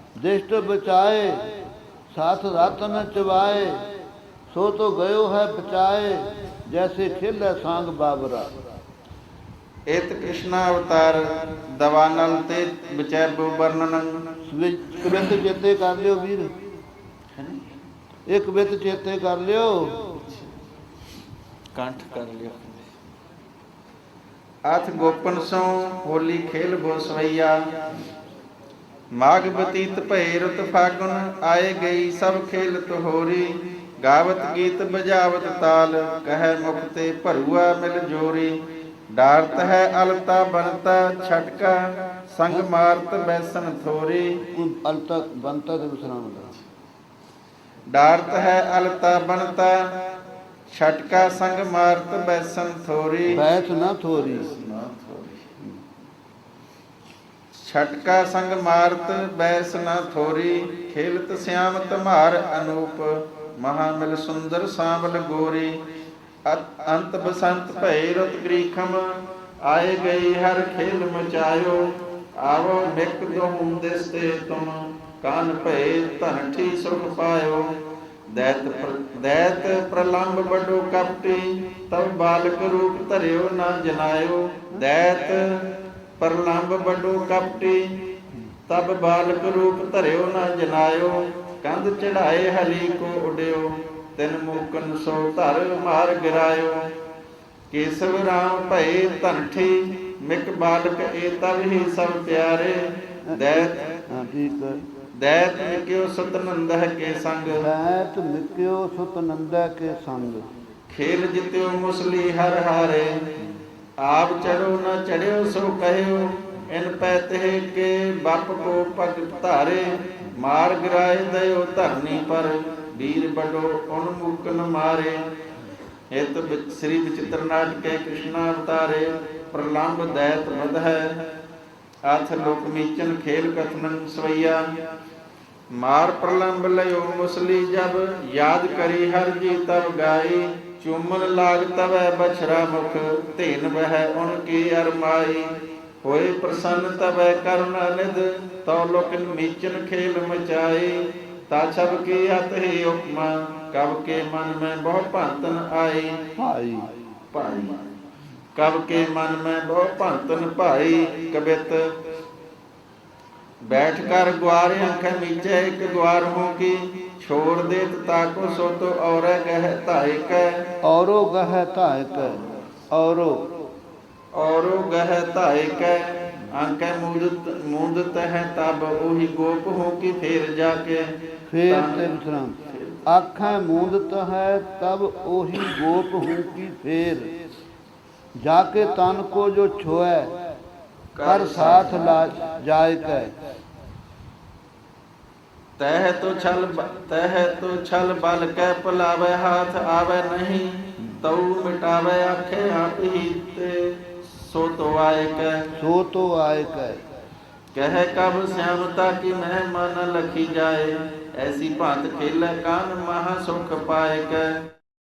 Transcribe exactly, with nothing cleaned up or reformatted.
दिष्ट बचाए साथ रत न चबाए, सो तो गयो है बचाए, जैसे खेल सांग बाबरा। ਇਤ ਕ੍ਰਿਸ਼ਨਾ ਅਵਤਾਰ ਦਵਾਨਲ ਤੇ ਵਿਚੈਬੋ ਵਰਣਨ। ਕਵਿਤ ਚੇਤੇ ਕਰ ਲਿਓ ਵੀਰ, ਇਹ ਕਵਿਤ ਚੇਤੇ ਕਰ ਲਿਓ, ਕੰਠ ਕਰ ਲਿਓ। ਅਥ ਗੋਪਨ ਸੋ ਹੋਲੀ ਖੇਲ ਬੋ ਸਵਈਆ, ਮਾਘ ਬਤੀਤ ਭਏ ਰੁਤ ਫਾਗੁਨ, ਆਏ ਗਈ ਸਭ ਖੇਲ ਤੋਹਰੀ, ਗਾਵਤ ਗੀਤ ਬਜਾਵਤ ਤਾਲ, ਕਹਿ ਮੁਖ ਤੇ ਭਰੂਆ ਮਿਲ ਜੋਰੀ, ਡਾਰਤ ਹੈ ਅਲਤਾ ਬਨਤਾ ਛਟਕਾ, ਸੰਗ ਮਾਰਤ ਬੈਸਨ ਥੋਰੀ। ਅਲਤਾ ਬਨਤਾ ਦੇ ਵਿਸਰਾਮ ਦਾ, ਡਾਰਤ ਹੈ ਅਲਤਾ ਬਨਤਾ ਛਟਕਾ, ਸੰਗ ਮਾਰਤ ਬੈਸਨ ਥੋਰੀ। ਬੈਸ ਨਾ ਥੋਰੀ, ਛਟਕਾ ਸੰਗ ਮਾਰਤ ਬੈਸ ਨਾ ਥੋਰੀ, ਖੇਲਤ ਸਿਆਮ ਧਮਾਰ ਅਨੂਪ, ਮਹਾ ਮਿਲ ਸੁੰਦਰ ਸਾਂਵਲ ਗੋਰੀ, ਅੰਤ ਬਸੰਤ ਭਏ ਰੁਤ ਗ੍ਰੀਖਮ, ਆਏ ਗਈ ਹਰ ਖੇਲ ਮਚਾਇਓ, ਆਵੋ ਮਿਕ ਦੋਹੂੰ ਦਿਸ ਤੇ ਤੁਮ, ਕਾਨ ਭਏ ਧਨਠੀ ਸੁਖ ਪਾਇਓ, ਦੈਤ ਦੈਤ ਪ੍ਰਲੰਬ ਬਡੋ ਕਪਟੀ, ਤਬ ਬਾਲਕ ਰੂਪ ਧਰਿਓ ਨਾ ਜਨਾਇਓ, ਦੈਤ ਪ੍ਰਲੰਬ ਬਡੋ ਕਪਟੀ, ਤਬ ਬਾਲਕ ਰੂਪ ਧਰਿਓ ਨਾ ਜਨਾਇਓ, ਕੰਧ ਚੜਾਏ ਹਲੀ ਕੋ ਉਡਿਓ, ਤਿਨ ਮੂਕਨ ਸੋ ਧਰ ਮਾਰ ਗਿਰਾਇਓ, ਕੇਸਵ ਰਾਮ ਭਏ ਧਨਠੀ, ਮਿਕ ਬਾਲਕ ਏ ਤਬ ਹੀ ਸਭ ਪਿਆਰੇ, ਦੈਤ ਹਾਂ ਠੀਕ ਹੈ, ਦੈਤ ਮਿਕਿਓ ਸਤਨੰਦਹ ਕੇ ਸੰਗ, ਦੈਤ ਮਿਕਿਓ ਸਤਨੰਦਹ ਕੇ ਸੰਗ, ਖੇਲ ਜਿਤਿਓ ਮੁਸਲੀ ਹਰ ਹਾਰੇ, ਆਪ ਚੜੋ ਨਾ ਚੜਿਓ ਸੋ ਕਹਿਓ, ਇਨ ਪੈ ਤੇ ਕੇ ਬਪ ਕੋ ਪਗ ਧਾਰੇ, ਮਾਰ ਗਿਰਾਏ ਦਇਓ ਧਰਨੀ ਪਰ, ਵੀਰ ਬਡੋ ਉਨਮੁਕਨ ਮਾਰੇ। ਹਿਤ ਸ੍ਰੀ ਵਿਚਿਤ੍ਰ ਨਾਟਕੇ ਕ੍ਰਿਸ਼ਨਾ ਅਵਤਾਰੇ, ਪ੍ਰਲੰਬ ਦੈਤ ਵਧ ਹੈ, ਅਥ ਲੋਕ ਮੀਚਨ ਖੇਲ ਕਥਨਨ ਸਵਈਆ, ਮਾਰ ਪ੍ਰਲੰਬ ਲਿਓ ਮੁਸਲੀ ਜਬ, ਯਾਦ ਕਰੀ ਹਰ ਜੀ ਤਬ ਗਾਈ, ਚੂਮਨ ਲਾਗ ਤਵੈ ਬਛਰਾ ਮੁਖ, ਧੇਨ ਬਹਿ ਉਨ ਕੀ ਅਰਮਾਈ, ਹੋਏ ਪ੍ਰਸੰਨ ਤਵੈ ਕਰਨ ਨਿਧ, ਤਉ ਲੋਕਨ ਮੀਚਨ ਖੇਲ ਮਚਾਈ, ਤਾ ਛਬ ਕੀ ਅਤ ਹੀ ਉਪਮਾ, ਕਬ ਕੇ ਮਨ ਮੈਂ ਬਹੁ ਭੰਤਨ ਆਈ, ਭਾਈ ਭਾਈ ਕਬ ਕੇ ਮਨ ਮੈਂ ਬਹੁ ਭੰਤਨ ਭਾਈ, ਕਬਿਤ ਬੈਠ ਕਰ ਗੁਆਰ ਅੱਖਾਂ ਮੀਚੇ ਇੱਕ ਗੁਆਰ ਹੋ ਕੀ, ਛੋੜ ਦੇਤ ਤਾਕੋ ਸੋ ਤੋ ਔਰੈ ਗਹਿ ਧਾਇਕ, ਔਰੋ ਗਹਿ ਧਾਇਕ, ਔਰੋ ਔਰੋ ਗਹਿ ਧਾਇਕ, ਆਂਕੈ ਮੂਦਤ ਮੂਦਤ ਹੈ ਤਬ ਉਹੀ ਗੋਪ ਹੋ ਕੀ, ਫੇਰ ਜਾ ਕੇ ਫੇਰ ਤੇ ਵਿਸਰਾਮ, ਆਖਾਂ ਮੂੰਦਤ ਹੈ ਤਬ ਉਹੀ ਗੋਪ ਹੂੰ ਕੀ, ਫੇਰ ਜਾ ਕੇ ਤਨ ਕੋ ਜੋ ਛੋਐ, ਕਰ ਸਾਥ ਲਾ ਜਾਇ ਕੈ, ਤਹਿ ਤੋ ਛਲ ਤਹਿ ਤੋ ਛਲ ਬਲ ਕੈ ਭੁਲਾਵੈ, ਹਾਥ ਆਵੈ ਨਹੀਂ ਤਉ ਮਿਟਾਵੈ, ਆਖੇ ਆਪ ਹੀ ਤੇ ਸੋ ਤੋ ਆਏ ਕੈ, ਸੋ ਤੋ ਆਏ ਕੈ, ਕਹਿ ਕਬ ਸਿਆਮਤਾ ਕੀ ਮਹਿਮਾ ਨ ਲਖੀ ਜਾਏ, ਐਸੀ ਭਾਂਤ ਖੇਲੈ ਕਾਨ ਮਹਾ ਸੁਖ ਪਾਏ ਕੈ।